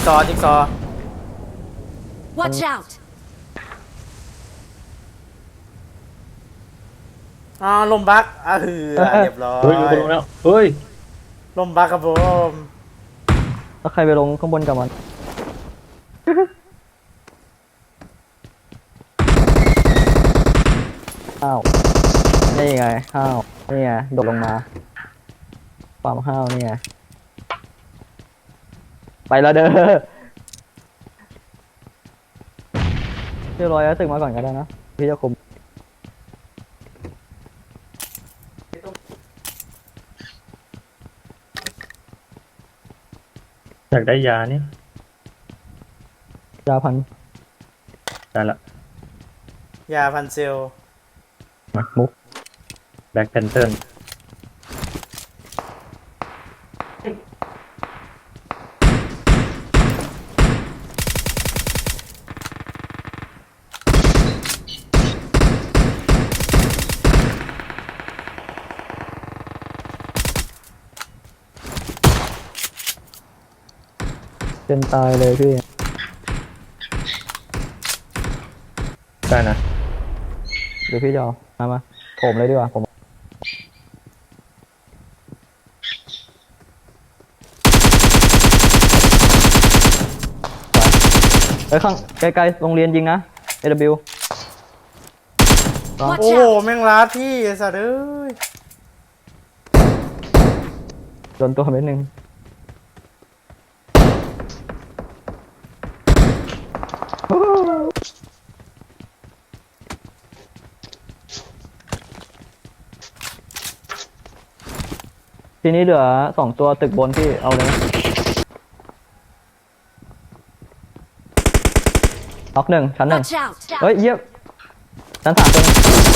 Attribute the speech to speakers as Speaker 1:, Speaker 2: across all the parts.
Speaker 1: จิ๊กซอ
Speaker 2: Watch out!
Speaker 1: ลมบักเรียบร้อย
Speaker 3: เฮ้ยอยู่บนลงแล้วเฮ้ย
Speaker 1: ลมบักครับผม
Speaker 4: แล้วใครไปลงข้างบนกับมัน อ้าวนี่ไงห้าวนี่ไงโดดลงมาความห้าวนี่ไงไปแล้วเด้อเรียบร้อยแล้วตึกมาก่อนก็ได้นะพี่จะคุม
Speaker 3: อยากได้ยานี่
Speaker 4: ยาพัน
Speaker 3: ได้ละ
Speaker 1: ยาพันเซล
Speaker 3: มามุกแบ็คแพนเทอร์
Speaker 4: เป็นตายเลยพี่
Speaker 3: ได้นะ
Speaker 4: เดี๋ยวพี่จะเอามาผมเลยดีกว่าผมไปข้างไกลๆโรงเรียนยิงนะ AW
Speaker 1: โอ้โหแม่งลัดพี่ไอ้สัตว์เอ้ย
Speaker 4: โดนตัวเม็ดหนึ่งทีนี้เหลือ2ตัวตึกบนที่เอาเลยน็อกหนึ่งชั้นหนึ่ง
Speaker 2: Watch out!
Speaker 4: เฮ้ยเยี่ยมชั้น3ตัวนึง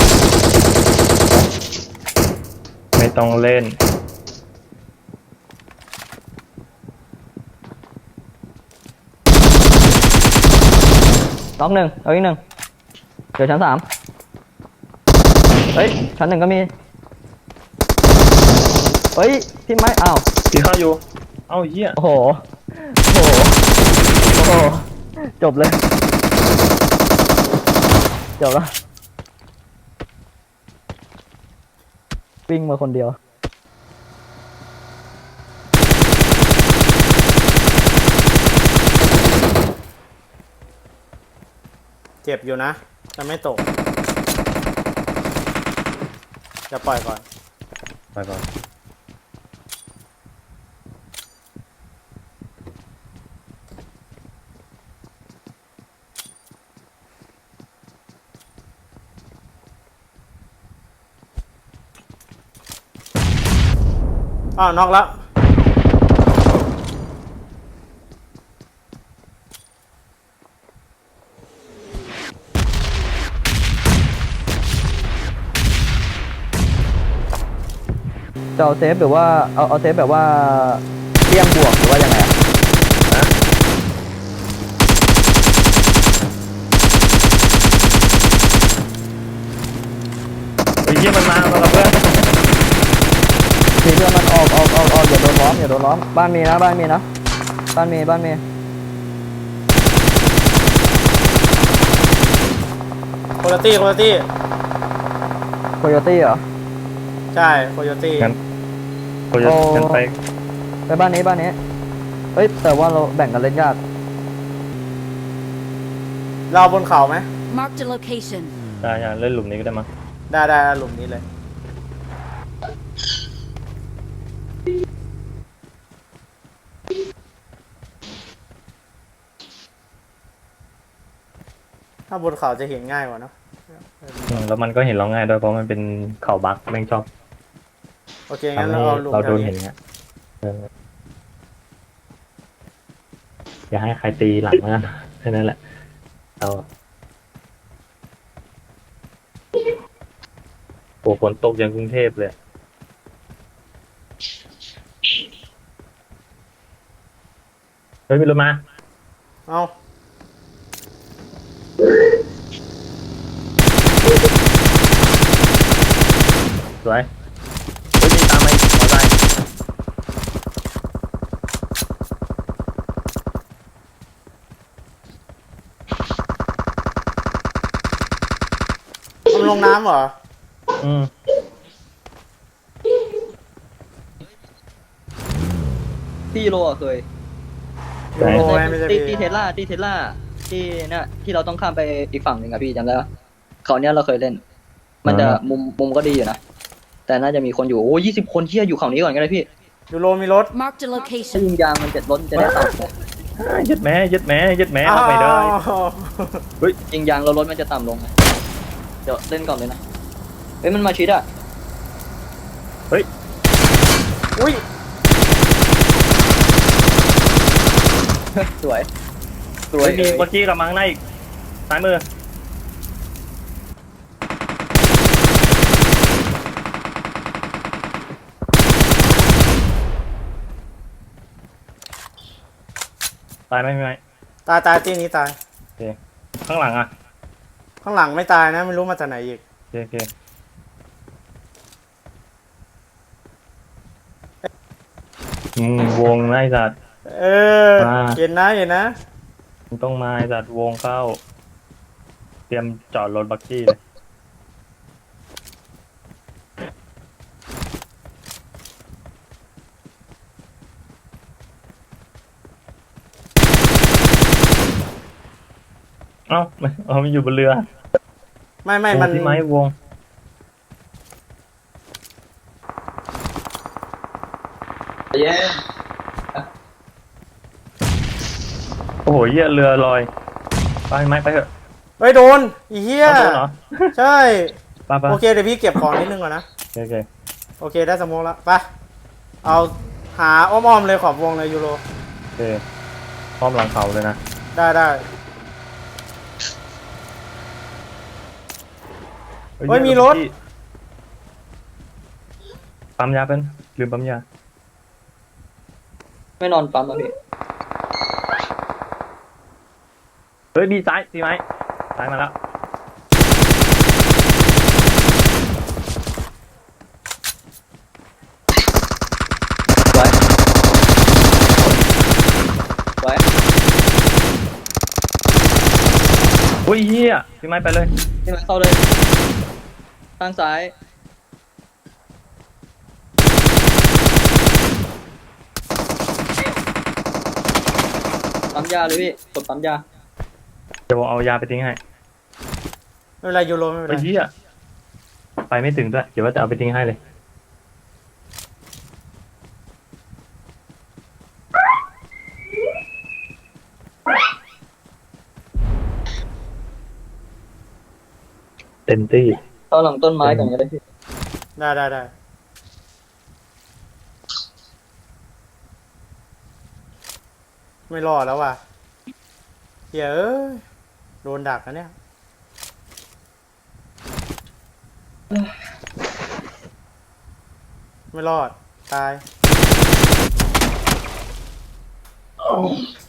Speaker 3: ไม่ต้องเล่น
Speaker 4: น็อกหนึ่งเอาอีกหนึ่งเดี๋ยวชั้น3เฮ้ยชั้น1ก็มีเฮ้ยพี่ไม้อ้าว
Speaker 3: ตีข้าวอยู่เอ้าเหี้ย
Speaker 4: โอ้โหโอ้โหโอ้โหจบเลยจบแล้ววิ่งมาคนเดียว
Speaker 1: เจ็บอยู่นะแต่ไม่ตกจะปล่อยก่อน
Speaker 3: ไปก่อน
Speaker 1: น็อกแล้ว
Speaker 4: จะเอาเซฟหรือว่าเอาเซฟแบบว่าเตี้ยงบวกหรือว่ายังไงอะ
Speaker 3: เฮ้ยเหี้ยมันมากับเพื่อน
Speaker 4: ทีเพื่อนมันออกอย่าโดนล้อมอย่าโดนล้อมบ้านมีนะบ้านมีนะบ้านมี
Speaker 1: โคโยตี้
Speaker 4: โคโยตี้เหรอ
Speaker 1: ใช่โคโยตี้
Speaker 3: งั้นกูจะกันไป
Speaker 4: ไปบ้านนี้เอ้ยแต่ว่าเราแบ่งกันเล่นยาก
Speaker 1: เราบนเขาไหม
Speaker 2: Marked a location.
Speaker 3: ได้อย่าเล่นหลุมนี้ก็ได้มั้ง
Speaker 1: ได้หลุมนี้เลยถ้าบนเขาจะเห็นง่ายกว่าเนอะ
Speaker 3: แล้วมันก็เห็นเราง่ายด้วยเพราะมันเป็นเข่าบักแม่งชอบ
Speaker 1: โอเคงั้น
Speaker 3: ทำให้
Speaker 1: เราเอาหลุม
Speaker 3: เรา
Speaker 1: แถ
Speaker 3: โด
Speaker 1: วน
Speaker 3: เห็น
Speaker 1: นี้
Speaker 3: เงี้ยอย่าให้ใครตีหลังนะแค่นั้นแหละเราโอ้ฝนตกยังกรุงเทพเลยเฮ้ยมีรถมา
Speaker 1: เอา
Speaker 3: สวยเฮ้ยมีตามมาอีกมอเตอร์ไซค์
Speaker 1: มันลงน้ำเหรอ
Speaker 3: อืม
Speaker 4: พี่โลอะเคย
Speaker 1: ยูโรไงไม่ใช่
Speaker 4: ตี
Speaker 1: พี่
Speaker 4: เทสลาที่เนี่ยที่เราต้องข้ามไปอีกฝั่งหนึ่งอะพี่จำได้ปะเขาวเนี้ยเราเคยเล่น มันจะมุมก็ดีอยู่นะ แต่น่าจะมีคนอยู่โอ้20 คนเที่ยอยู่เขานี้ก่อนก็ได้พี่
Speaker 1: ยูโรมีรถ
Speaker 2: Marked a
Speaker 4: ถ้า
Speaker 2: location.
Speaker 4: ยิงยางมันจะรถมันจะได้ต่ำลง
Speaker 3: ยึดแม่ยึดแม่ยึดแม่เอาไปได้
Speaker 1: อ้าว
Speaker 4: ยิงยางแล้วรถมันจะต่ำลงไงเดี๋ยวเล่นก่อนเลยนะเฮ้ยมันมาชิดอะ
Speaker 3: เฮ้ย
Speaker 1: อุ้ย
Speaker 4: สวยสว
Speaker 3: เฮ้
Speaker 4: ย
Speaker 3: ยมีเมื่อกี้กำลังหน้าอีกซ้ายมือตายไหมพี่ไหม
Speaker 1: ตายที่นี้ตาย
Speaker 3: โอเคข้างหลังอ่ะ
Speaker 1: ข้างหลังไม่ตายนะไม่รู้มาจากไหนอีก
Speaker 3: โอเคโอเควงนะไอ้สัตว์
Speaker 1: เออ
Speaker 3: มา
Speaker 1: เห็นนะ
Speaker 3: มึงต้องมาไอ้สัตว์วงเข้า เตรียมจอดรถบักกี้เลยเอ้ามันอยู่บนเรือ
Speaker 1: ไม่
Speaker 3: วง
Speaker 1: มัน
Speaker 3: ที่ไม้วง
Speaker 4: เย้
Speaker 3: โอ้โหเหี้ยเรือลอยไปไม้ไปเถอะ
Speaker 1: เฮ้ยโดนอีเหี้ย
Speaker 3: เอาโดนเหรอ
Speaker 1: ใช่
Speaker 3: ไปไป
Speaker 1: โอเคเดี๋ยวพี่เก็บของนิดนึงก่อนนะ
Speaker 3: โอเค
Speaker 1: โอเคได้สโมองแล้วไปเอาหาอ้อมๆเลยขอบวงเลยยูโร
Speaker 3: โอเคพร้อมหลังเขาเลยนะ
Speaker 1: ได้เฮ้ยมีรถ
Speaker 3: ปั๊มยาเป็นลืมปั๊มยา
Speaker 4: ไม่นอนปั๊มอ่ะพี่
Speaker 3: เฮ้ยมีซ้ายมีไหมซ้ายมาแล้ว
Speaker 4: สวยสวย
Speaker 3: อุ้ยเฮียพี่ไม้ไปเลย
Speaker 4: นี่มันเข้าเลยทางซ้ายปั๊มยาเลยพี่กดปั๊มยา
Speaker 3: เดี๋ยวผมเอายาไปทิ้งให้
Speaker 1: ไม่เป็นไรยูโรไม่เป็น
Speaker 3: ไอ้
Speaker 1: ไร
Speaker 3: เฮียไปไม่ถึงด้วยเดี๋ยวว่าจะเอาไปทิ้งให้เลยเต็มที่
Speaker 4: เข้าหลังต้นไม้ก่อนก็ได้พี่
Speaker 1: ได้ไม่รอดแล้วว่ะเหี้ยเอ้ยโดนดักนะเนี่ยไม่รอดตาย